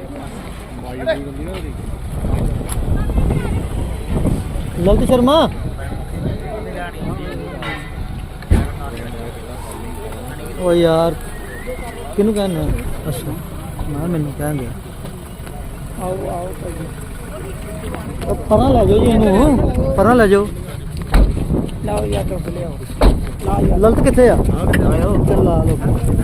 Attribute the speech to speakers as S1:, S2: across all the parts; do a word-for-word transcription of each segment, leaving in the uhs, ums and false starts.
S1: ललित शर्मा ओ यार किनू कहने अच्छा मैं मैनू कह दिया आओ आओ परा लै जाओ जी इनू परा लै जाओ लाओ यार चुक लियाओ ललित कित्थे आ चल ला लो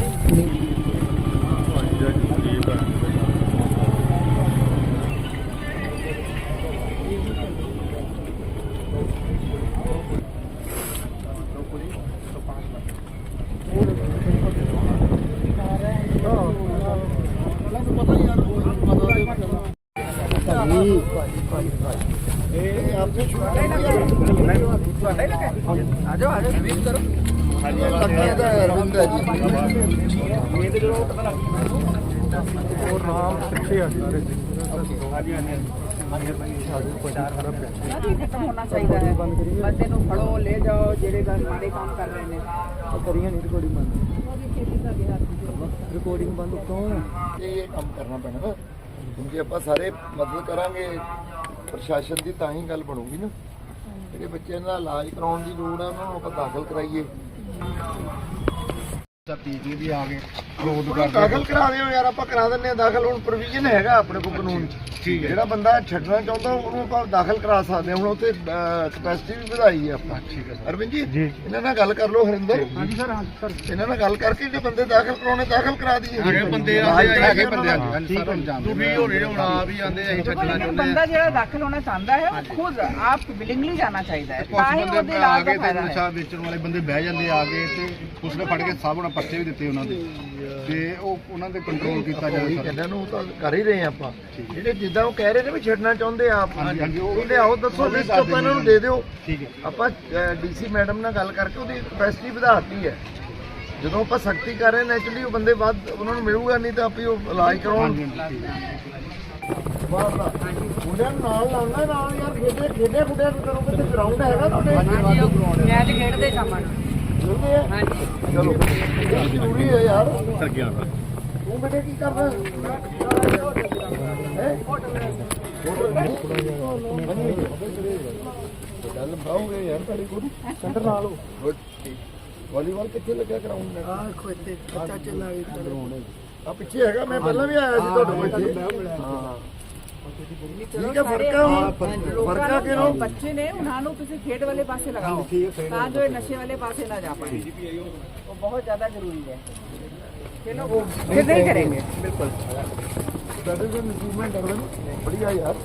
S2: होना चाहिए है बंदे नूं फड़ो ले जाओ जेड़े माड़े काम कर रहे हैं
S1: करिए नहीं रिकॉर्डिंग बंद रिकॉर्डिंग बंद तो
S3: ये काम करना पैना ना क्योंकि ਆਪਾਂ ਸਾਰੇ ਮਦਦ ਕਰਾਂਗੇ ਪ੍ਰਸ਼ਾਸਨ ਦੀ ਤਾਂ ਹੀ ਗੱਲ ਬਣੂਗੀ ਨਾ ਜਿਹੜੇ ਬੱਚਿਆਂ ਦਾ ਇਲਾਜ ਕਰਾਉਣ ਦੀ ਲੋੜ ਹੈ ਉਹਨਾਂ ਨੂੰ ਆਪਾਂ ਦਾਖਲ ਕਰਾਈਏ
S4: ਟੀਕੇ ਵੀ ਆ ਗਏ ਵਿਰੋਧ ਕਰਦੇ
S3: ਦਾਖਲ ਕਰਾ ਦਿਓ ਯਾਰ ਆਪਾਂ ਕਰਾ ਦਿੰਨੇ ਆ ਦਾਖਲ ਹੁਣ ਪ੍ਰੋਵੀਜ਼ਨ ਹੈਗਾ ਆਪਣੇ ਕੋਲ ਕਾਨੂੰਨ 'ਚ
S4: ਠੀਕ ਹੈ
S3: ਜਿਹੜਾ ਬੰਦਾ ਛੱਡਣਾ ਚਾਹੁੰਦਾ ਉਹਨੂੰ ਆਪਾਂ ਦਾਖਲ ਕਰਾ ਸਕਦੇ ਹਾਂ ਹੁਣ ਉੱਥੇ ਕਪੈਸਿਟੀ ਵੀ ਵਧਾਈ ਹੈ ਆਪਾਂ
S4: ਠੀਕ ਹੈ
S3: ਅਰਵਿੰਦ ਜੀ ਇਹਨਾਂ ਨਾਲ ਗੱਲ ਕਰ ਲਓ ਹਰਿੰਦਰ ਹਾਂਜੀ ਸਰ ਹਾਂ ਸਰ ਇਹਨਾਂ ਨਾਲ ਗੱਲ ਕਰਕੇ ਜੇ ਬੰਦੇ ਦਾਖਲ ਕਰਾਉਣੇ ਦਾਖਲ ਕਰਾ ਦਈਏ
S4: ਹੈਗੇ ਬੰਦੇ ਹੈਗੇ ਬੰਦੇ ਹਾਂਜੀ ਸਰ ਤੁਸੀਂ ਹੋਣੇ ਹੁਣ ਆ ਵੀ ਆਂਦੇ ਅਸੀਂ ਛੱਡਣਾ ਚਾਹੁੰਦੇ
S2: ਬੰਦਾ ਜਿਹੜਾ ਦਾਖਲ ਹੋਣਾ ਚਾਹੁੰਦਾ ਹੈ ਉਹ ਖੁਦ ਆਪ ਵਿਲਿੰਗਲੀ ਜਾਣਾ ਚਾਹੀਦਾ ਹੈ ਤਾਂ ਹੀ ਉਹਦੇ ਇਲਾਜ ਦਾ ਫਾਇਦਾ ਹੈ
S4: ਨਸ਼ਾ ਵੇਚਣ ਵਾਲੇ ਬੰਦੇ ਬਹਿ ਜਾਂਦੇ ਆ ਕੇ ਤੇ ਉਸਨੇ ਫੜ ਕੇ ਸਭ ਉਹਨਾਂ ਪਰਚੇ ਵੀ ਦਿੱਤੇ ਉਹਨਾਂ ਦੇ ਤੇ ਉਹ ਉਹਨਾਂ ਤੇ ਕੰਟਰੋਲ ਕੀਤਾ ਜਾਵੇ ਸਰ
S3: ਇਹਨਾਂ ਨੂੰ ਤਾਂ ਕਰ ਹੀ ਰਹੇ ਆਪਾਂ ਜਿਹੜੇ ਜਿੱਦਾਂ ਉਹ ਕਹਿ ਰਹੇ ਨੇ ਵੀ ਛੱਡਣਾ ਚਾਹੁੰਦੇ ਆ ਆਪ
S4: ਹਾਂਜੀ ਉਹ
S3: ਲਿਆਓ ਦੱਸੋ ਲਿਸਟ ਆਪਾਂ ਇਹਨਾਂ ਨੂੰ ਦੇ ਦਿਓ
S4: ਠੀਕ ਹੈ
S3: ਆਪਾਂ ਡੀਸੀ ਮੈਡਮ ਨਾਲ ਗੱਲ ਕਰਕੇ ਉਹਦੀ ਕਪੈਸਿਟੀ ਵਧਾਤੀ ਹੈ ਜਦੋਂ ਆਪਾਂ ਸਖਤੀ ਕਰ ਰਹੇ ਨੈਚੁਰਲੀ ਉਹ ਬੰਦੇ ਵੱਧ ਉਹਨਾਂ ਨੂੰ ਮਿਲੂਗਾ ਨਹੀਂ ਤਾਂ ਆਪੇ ਉਹ ਇਲਾਜ ਕਰਾਉਣ ਮੁੰਡਿਆਂ ਨੂੰ ਨਾਲ ਲਾਉਣਾ ਨਾਲ ਯਾਰ ਖੇਡੇ ਖੇਡੇ ਖੁੱਡੇ ਕਰੋਗੇ ਤੇ ਗਰਾਊਂਡ ਹੈਗਾ ਤੁਹਾਡੇ
S2: ਮੈਚ ਖੇਡਦੇ ਸ਼ਾਮਾਂ ਨੂੰ
S3: ਖੇਡਦੇ ਆ
S2: ਹਾਂਜੀ
S3: ਚਲੋ ਜ਼ਰੂਰੀ ਹੈ ਯਾਰ
S4: ਸਰ ਗਿਆ
S3: ਤੂੰ ਬੇਟੇ ਕੀ ਕਰਦਾ ਹੈ ਗੱਲ ਬਾਹੂਗੇ ਯਾਰ ਤੁਹਾਡੀ ਕੋਈ ਸੈਂਟਰ ਨਾਲ ਹੋ ਵਾਲੀਬਾਲ ਕਿੱਥੇ ਲੱਗਿਆ ਗਰਾਊਂਡ ਨੇ
S1: ਆ ਖੋਤੇ ਬੱਚਾ ਚੱਲਾ ਵੀ
S3: ਆ ਪਿੱਛੇ ਹੈਗਾ ਮੈਂ ਪਹਿਲਾਂ ਵੀ ਆਇਆ ਸੀ ਤੁਹਾਡੇ ਕੋਲ ਇੱਥੇ ਹਾਂ ਠੀਕ ਹੈ ਫਰਕ ਹੈ ਹੁਣ ਫਰਕ ਹੈ ਕਿ ਉਹ
S2: ਬੱਚੇ ਨੇ ਉਹਨਾਂ ਨੂੰ ਤੁਸੀਂ ਖੇਡ ਵਾਲੇ ਪਾਸੇ ਲਗਾਓ ਤਾਂ ਜੋ ਇਹ ਨਸ਼ੇ ਵਾਲੇ ਪਾਸੇ ਨਾ ਜਾ ਪਾए वो बहुत ज्यादा जरूरी है चलो वो फिर नहीं करेंगे
S3: बिल्कुल that is an achievement Arvind बढ़िया यार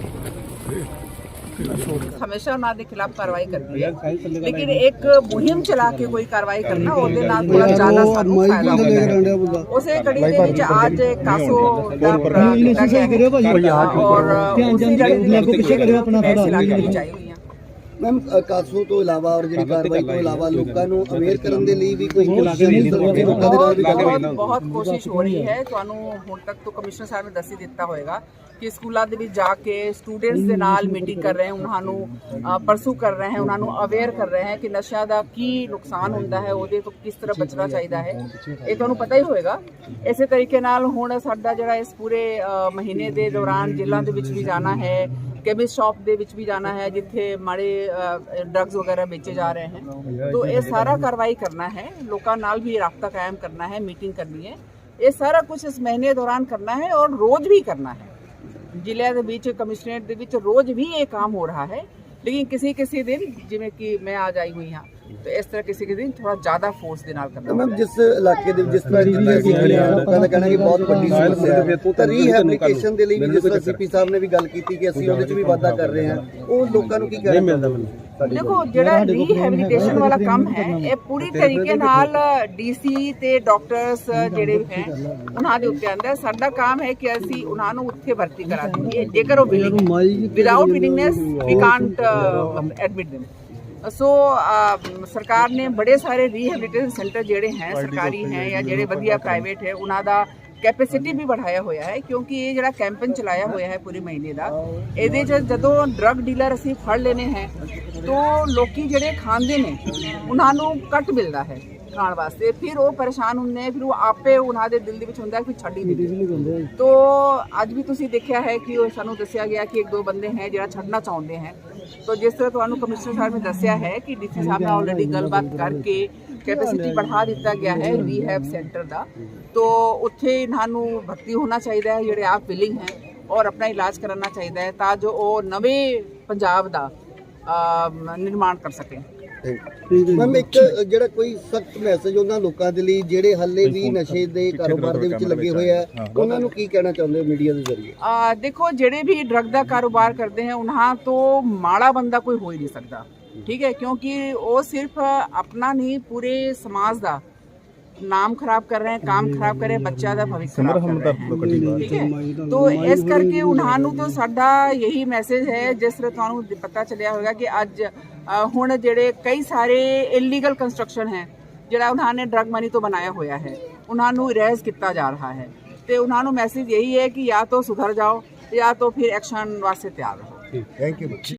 S2: ਹਮੇਸ਼ਾ ਉਹਨਾਂ ਦੇ ਖਿਲਾਫ ਕਾਰਵਾਈ ਕਰਦੀ ਹੈ ਲੇਕਿਨ ਇੱਕ ਮੁਹਿੰਮ ਚਲਾ ਕੇ ਕੋਈ ਕਾਰਵਾਈ ਕਰਨਾ ਉਹਦੇ ਨਾਲ ਥੋੜਾ ਜ਼ਿਆਦਾ ਸਾਨੂੰ ਫਾਇਦਾ ਹੁੰਦਾ ਹੈ ਉਸੇ ਕੜੀ ਦੇ ਵਿੱਚ ਅੱਜ ਕਾਸੋ ਦਾ ਕੀਤਾ ਗਿਆ ਔਰ ਉਸੇ ਕੜੀ ਦੇ ਵਿੱਚ ਆਪਣਾ ਫੈਸਲਾ ਚਾਹੀ ਹੋਈਆਂ
S5: ਮੈਮ ਕਾਸੋ ਤੋਂ ਇਲਾਵਾ ਔਰ ਜਿਹੜੀ ਕਾਰਵਾਈ ਤੋਂ ਇਲਾਵਾ ਲੋਕਾਂ ਨੂੰ ਅਵੇਅਰ ਕਰਨ ਦੇ ਲਈ ਵੀ ਕੋਈ ਲੋਕਾਂ ਦੇ ਨਾਲ ਵੀ
S2: ਬਹੁਤ ਬਹੁਤ ਕੋਸ਼ਿਸ਼ ਹੋ ਰਹੀ ਹੈ ਤੁਹਾਨੂੰ ਹੁਣ ਤੱਕ ਤੋਂ ਕਮਿਸ਼ਨਰ ਸਾਹਿਬ ਨੇ ਦੱਸੀ ਦਿੱਤਾ ਹੋਏਗਾ ਕਿ ਸਕੂਲਾਂ ਦੇ ਵਿੱਚ ਜਾ ਕੇ ਸਟੂਡੈਂਟਸ ਦੇ ਨਾਲ ਮੀਟਿੰਗ ਕਰ ਰਹੇ ਹਨ ਉਹਨਾਂ ਨੂੰ ਪਰਸੂ ਕਰ ਰਹੇ ਹਨ ਉਹਨਾਂ ਨੂੰ ਅਵੇਅਰ ਕਰ ਰਹੇ ਹਨ ਕਿ ਨਸ਼ਾ ਦਾ ਕੀ ਨੁਕਸਾਨ ਹੁੰਦਾ ਹੈ ਉਹਦੇ ਤੋਂ ਕਿਸ ਤਰ੍ਹਾਂ ਬਚਣਾ ਚਾਹੀਦਾ ਹੈ ਇਹ ਤੁਹਾਨੂੰ ਪਤਾ ਹੀ ਹੋਏਗਾ ਇਸੇ ਤਰੀਕੇ ਨਾਲ ਹੁਣ ਸਾਡਾ ਜਿਹੜਾ ਇਸ ਪੂਰੇ ਮਹੀਨੇ ਦੇ ਦੌਰਾਨ ਜ਼ਿਲ੍ਹਾ ਦੇ ਵਿੱਚ ਵੀ ਜਾਣਾ ਹੈ केमिस्ट शॉप ਦੇ ਵਿੱਚ ਵੀ ਜਾਣਾ ਹੈ ਜਿੱਥੇ ਮਾੜੇ ਡਰੱਗਸ ਵਗੈरह बेचे जा रहे हैं तो ये सारा कार्रवाई करना है लोगों नाल भी राब्ता कायम करना है मीटिंग करनी है ये सारा कुछ इस महीने दौरान करना है और रोज भी करना है ਜ਼ਿਲ੍ਹੇ ਦੇ ਵਿੱਚ ਕਮਿਸ਼ਨਰੇਟ ਦੇ ਵਿੱਚ ਰੋਜ਼ ਵੀ ਇਹ ਕੰਮ ਹੋ ਰਿਹਾ ਹੈ लेकिन किसी किसी दिन जिमें कि मैं आज आई हुई हाँ तो इस तरह किसी के दिन थोड़ा ज्यादा फोर्स ਦੇ ਨਾਲ ਕਰਨਾ
S5: ਮੈਮ ਜਿਸ ਇਲਾਕੇ ਦੇ ਜਿਸ ਤਰ੍ਹਾਂ ਜਿੱਥੇ ਅਸੀਂ ਖੜੇ ਹਾਂ ਲੋਕਾਂ ਦਾ ਕਹਿਣਾ ਕਿ ਬਹੁਤ ਵੱਡੀ ਸਮੱਸਿਆ ਹੈ ਤਾਂ ਰੀਹੈਬਿਲਿਟੇਸ਼ਨ ਦੇ ਲਈ ਵੀ ਜਿਸ ਤਰ੍ਹਾਂ ਸੀਪੀ ਸਾਹਿਬ ਨੇ ਵੀ ਗੱਲ ਕੀਤੀ ਕਿ ਅਸੀਂ ਉਹਦੇ 'ਚ ਵੀ ਵਾਧਾ ਕਰ ਰਹੇ ਹਾਂ ਉਹ ਲੋਕਾਂ ਨੂੰ ਕੀ ਕਹਿਣਾ ਮਿਲਦਾ ਮੈਨੂੰ
S2: देखो ਜਿਹੜਾ ਰੀਹੈਬਿਲਿਟੇਸ਼ਨ ਵਾਲਾ ਕੰਮ ਹੈ ਇਹ ਪੂਰੀ ਤਰੀਕੇ ਨਾਲ ਡੀਸੀ ਤੇ ਡਾਕਟਰਸ ਜਿਹੜੇ ਹੈ ਉਹਨਾਂ ਦੇ ਉੱਤੇ ਆਂਦਾ ਸਾਡਾ ਕੰਮ ਹੈ ਕਿ ਅਸੀਂ ਉਹਨਾਂ ਨੂੰ ਉੱਥੇ ਭਰਤੀ ਕਰਾ ਦਈਏ ਜੇਕਰ ਉਹ without willingness we can't admit them so सरकार ने बड़े सारे ਰੀਹੈਬਿਲਿਟੇਸ਼ਨ सेंटर ਜਿਹੜੇ ਹੈ ਸਰਕਾਰੀ ਹੈ ਜਾਂ ਜਿਹੜੇ ਵਧੀਆ ਪ੍ਰਾਈਵੇਟ ਹੈ ਉਹਨਾਂ ਦਾ कैपेसिटी भी बढ़ाया हुआ है क्योंकि ये जो कैंपेन चलाया हुआ है पूरे महीने का ये जो ड्रग डीलर असी फड़ लेने हैं तो लोग जोड़े खाते हैं उन्होंने घट मिलता है ਕਰਾਉਣ ਵਾਸਤੇ। ਫਿਰ ਉਹ ਪਰੇਸ਼ਾਨ ਹੁੰਦੇ ਫਿਰ ਉਹ ਆਪੇ ਉਹਨਾਂ ਦੇ ਦਿਲ ਦੇ ਵਿੱਚ ਹੁੰਦਾ ਕਿ ਛੱਡ ਹੀ ਨਹੀਂ ਦਿੰਦੇ। ਤੋ ਅੱਜ ਵੀ ਤੁਸੀਂ ਦੇਖਿਆ ਹੈ ਕਿ ਉਹ ਸਾਨੂੰ ਦੱਸਿਆ ਗਿਆ ਕਿ ਇੱਕ ਦੋ ਬੰਦੇ ਹੈ ਜਿਹੜਾ ਛੱਡਣਾ ਚਾਹੁੰਦੇ ਹੈ। ਤੋ ਜਿਸ ਤਰ੍ਹਾਂ ਤੁਹਾਨੂੰ ਕਮਿਸ਼ਨਰ ਸਾਹਿਬ ਨੇ ਦੱਸਿਆ ਹੈ ਕਿ ਡੀਸੀ ਸਾਹਿਬ ਨਾਲ ਆਲਰੇਡੀ ਗੱਲਬਾਤ ਕਰਕੇ ਕੈਪੈਸਿਟੀ बढ़ा ਦਿੱਤਾ ਗਿਆ ਹੈ ਰੀਹੈਬ ਸੈਂਟਰ ਦਾ। ਤੋ ਉੱਥੇ ਇਹਨਾਂ ਨੂੰ ਭਰਤੀ ਹੋਣਾ ਚਾਹੀਦਾ ਹੈ ਜਿਹੜੇ ਆਪ ਵਿਲਿੰਗ ਹੈ ਔਰ ਆਪਣਾ ਇਲਾਜ ਕਰਾਉਣਾ ਚਾਹੀਦਾ ਹੈ ਤਾਂ ਜੋ ਉਹ ਨਵੇਂ ਪੰਜਾਬ ਦਾ ਨਿਰਮਾਣ ਕਰ ਸਕੇ।
S5: ਮੈਮ ਇੱਕ ਜਿਹੜਾ ਕੋਈ ਸਖਤ ਮੈਸੇਜ ਉਹਨਾਂ ਲੋਕਾਂ ਦੇ ਲਈ ਜਿਹੜੇ ਹਾਲੇ ਵੀ ਨਸ਼ੇ ਦੇ ਕਾਰੋਬਾਰ ਦੇ ਵਿੱਚ ਲੱਗੇ ਹੋਏ ਆ ਉਹਨਾਂ ਨੂੰ ਕੀ ਕਹਿਣਾ ਚਾਹੁੰਦੇ ਹੋ ਮੀਡੀਆ ਦੇ ਜ਼ਰੀਏ?
S2: ਆ ਦੇਖੋ ਜਿਹੜੇ ਵੀ ਡਰਗ ਦਾ ਕਾਰੋਬਾਰ ਕਰਦੇ हैं ਉਹਨਾਂ ਤੋਂ ਮਾੜਾ ਬੰਦਾ ਕੋਈ ਹੋ ਹੀ ਨਹੀਂ ਸਕਦਾ, ਠੀਕ ਹੈ, ਕਿਉਂਕਿ ਉਹ ਸਿਰਫ ਆਪਣਾ ਨਹੀਂ ਪੂਰੇ समाज ਦਾ ਨਾਮ ਖਰਾਬ ਕਰ ਰਹੇ हैं, काम ਖਰਾਬ ਕਰ ਰਹੇ हैं, ਬੱਚਿਆਂ ਦਾ ਭਵਿੱਖ ਖਰਾਬ ਕਰ ਰਹੇ हैं, ਠੀਕ ਹੈ। तो ਇਸ ਕਰਕੇ ਉਹਨਾਂ ਨੂੰ ਤਾਂ ਸਾਡਾ यही ਮੈਸੇਜ ਹੈ ਜਿਸ ਤਰ੍ਹਾਂ ਤੁਹਾਨੂੰ ਪਤਾ ਚੱਲਿਆ ਹੋਵੇਗਾ ਕਿ ਅੱਜ ਹੁਣ ਜਿਹੜੇ ਕਈ ਸਾਰੇ ਇਲੀਗਲ ਕੰਸਟਰਕਸ਼ਨ ਹੈ ਜਿਹੜਾ ਉਹਨਾਂ ਨੇ ਡਰਗ ਮਨੀ ਤੋਂ ਬਣਾਇਆ ਹੋਇਆ ਹੈ ਉਹਨਾਂ ਨੂੰ ਇਰੇਜ਼ ਕੀਤਾ ਜਾ ਰਿਹਾ ਹੈ ਤੇ ਉਹਨਾਂ ਨੂੰ ਮੈਸੇਜ यही है कि या तो सुधर जाओ या तो फिर एक्शन वास्ते तैयार रहो।
S3: Thank you.